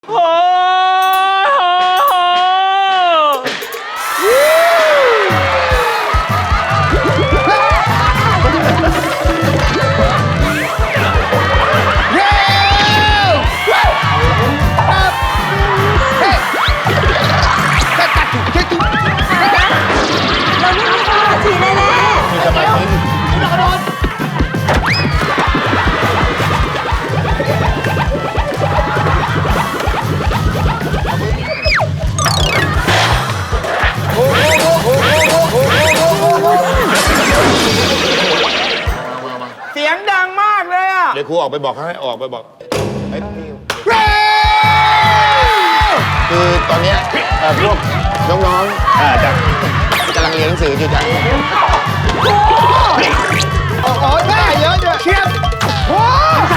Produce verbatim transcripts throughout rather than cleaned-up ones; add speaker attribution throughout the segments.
Speaker 1: โอ้เสียงดังมากเลยอ่ะ
Speaker 2: เดี๋ยวครูออกไปบอกเขาให้ออกไปบอกไอ้พี่คือตอนเนี้ยพวกน้องๆจากกำลังเรียนหนังสืออยู่จ้ะโอ้โหได้เยอะด้วยเชียบโอ้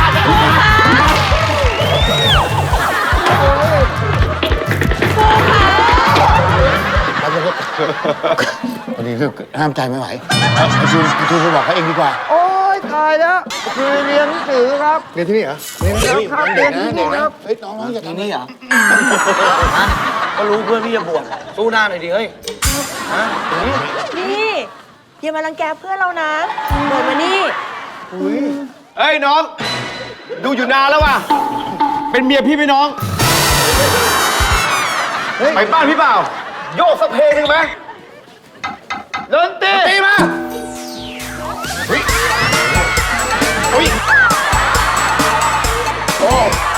Speaker 2: พอดีคือห้ามใจไม่ไหวจูนจูนไปบอกเขาเองดีกว่า
Speaker 1: โอ้ยตายแล้วคือเรียนหนังสือครับ
Speaker 2: เรียนที่นี่เหรอเรียนครับเรียนที่นี่ครับเฮ้ยน้องๆอย่าทำนี่เหรอ
Speaker 1: ก็รู้เพื่อนพี่จะบวชสู้หน้าหน่อยดิเฮ้ย
Speaker 3: นี่อย่ามารังแกเพื่อนเรานะเดินมานี่
Speaker 1: เฮ้ยน้องดูอยู่นานแล้วว่ะเป็นเมียพี่ไหมน้องไปบ้านพี่เปล่าโยกสักเพลงหนึ่งไหมดนตรีตีมาเฮ้ยเฮ้ยโอ้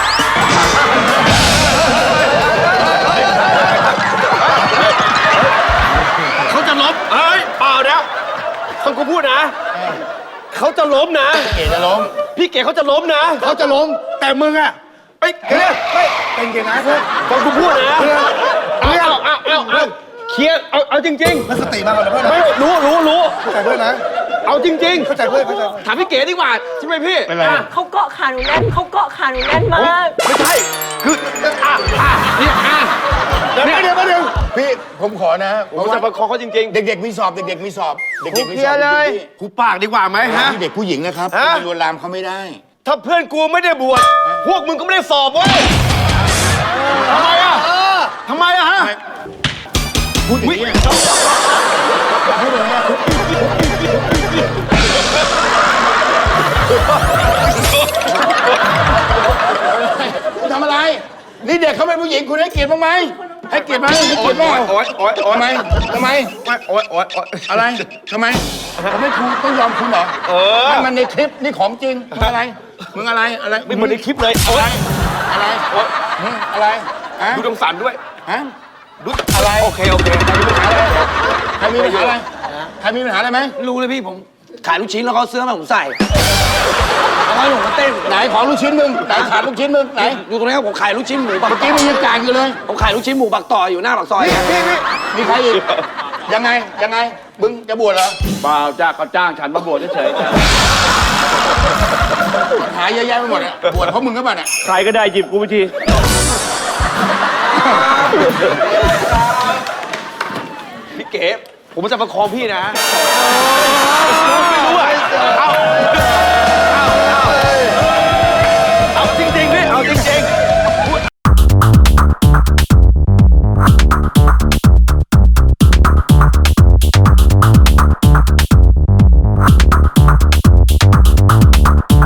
Speaker 1: เขาจะล้มเฮ้ยเปล่านะฟังกูพูดนะเขาจะล้มนะ
Speaker 2: เก๋จะล้ม
Speaker 1: พี่เก๋เขาจะล้มนะ
Speaker 2: เขาจะล้มแต่มึงอะ
Speaker 1: ไอ้เก๋ไม่เป็นเก๋นะเพื่อนฟังกูพูดนะเอาเอาเอาเอาเอาเคลียร์เอาเอาจริงๆ
Speaker 2: มันสติมากกว่าเพื่อนนะ
Speaker 1: ไม่รู้รู้รู้
Speaker 2: เข้าใจเพื่อนนะ
Speaker 1: เอาจริงๆ
Speaker 2: เข้าใจเพื่อนเข้าใจ
Speaker 1: ถามพี่เก๋ดีกว่าใช่ไหมพี่
Speaker 2: เป็นไร
Speaker 3: เขาเกาะขาหนูแน่นเขาเกาะขาหนูแน่นมาก
Speaker 1: ไม่ใช่คืออ่ะอ่ะเนี่ยอ่ะ
Speaker 2: เดี๋ยวเดี๋ยวเดี๋ยวพี่ผมขอนะ
Speaker 1: ผมจะประคองเขาจริงๆ
Speaker 2: เด็กๆมีสอบเด็กๆมีสอบเด็กๆมีสอบ
Speaker 1: เลยครูปากดีกว่าไหมฮะ
Speaker 2: เด็กผู้หญิงนะครับไปลวนลามเขาไม่ได้
Speaker 1: ถ้าเพื่อนกูไม่ได้บวชพวกมึงก็ไม่ได้สอบเว้ยทำไมอ่ะทำไมอ่ะฮะ
Speaker 2: พูดอย่างนี้พูดอย่างนี้ทำอะไรนี่เด็กเขาเป็นผู้หญิงคุณให้เกียรติบ้างไหมให้เกียรติไหมให้เกียรติบ้าง
Speaker 1: โอ๊ยโอ๊ยโอ๊ย
Speaker 2: ทำไมทำไม
Speaker 1: โอ๊ยโอ๊ยโอ๊ย
Speaker 2: อะไรทำไมผมไม่คุณต้องยอมคุณเหรอ
Speaker 1: เออ
Speaker 2: มันในคลิปนี่ของจริงมึงอะไรมึงอะไรอะไร
Speaker 1: ไม่เหมือนในคลิปเลยโอ๊ย
Speaker 2: อะไรโอ๊ยอะไร
Speaker 1: ดูตรงสันด้วย
Speaker 2: ฮะ
Speaker 1: ดูอะไรโอเคโอเค
Speaker 2: ใครมีปัญหาอะไรใครมีปัญหาอะไรไหม
Speaker 1: รู้เลยพี่ผมขายลูกชิ้นแล้วเขาเสื้อมาผมใส่แล้วให้ผมมาเต้น
Speaker 2: ไหนของลูกชิ้นมึงไหนขาดลูกชิ้นมึงไหน
Speaker 1: อยู่ตรงนี้ผมขายลูกชิ้นหมูปัก
Speaker 2: เมื่อกี้มึงยังกลางอยู่เลย
Speaker 1: ผมขายลูกชิ้นหมูปักต่ออยู่หน้าปากซอย
Speaker 2: นี่นี่มีใครอีกยังไงยังไงมึงจะบวชเหรอ
Speaker 1: เปล่าจ้าเขาจ้างฉันมาบวชเฉย
Speaker 2: ๆหายเยอะแยะไปหมดอ่ะบวชเพราะมึงก็บ้าเนี่ย
Speaker 1: ใครก็ได้หยิบกูไปทีพี่เก๋ผมจะประคองพี่นะไม่รู้อ่ะ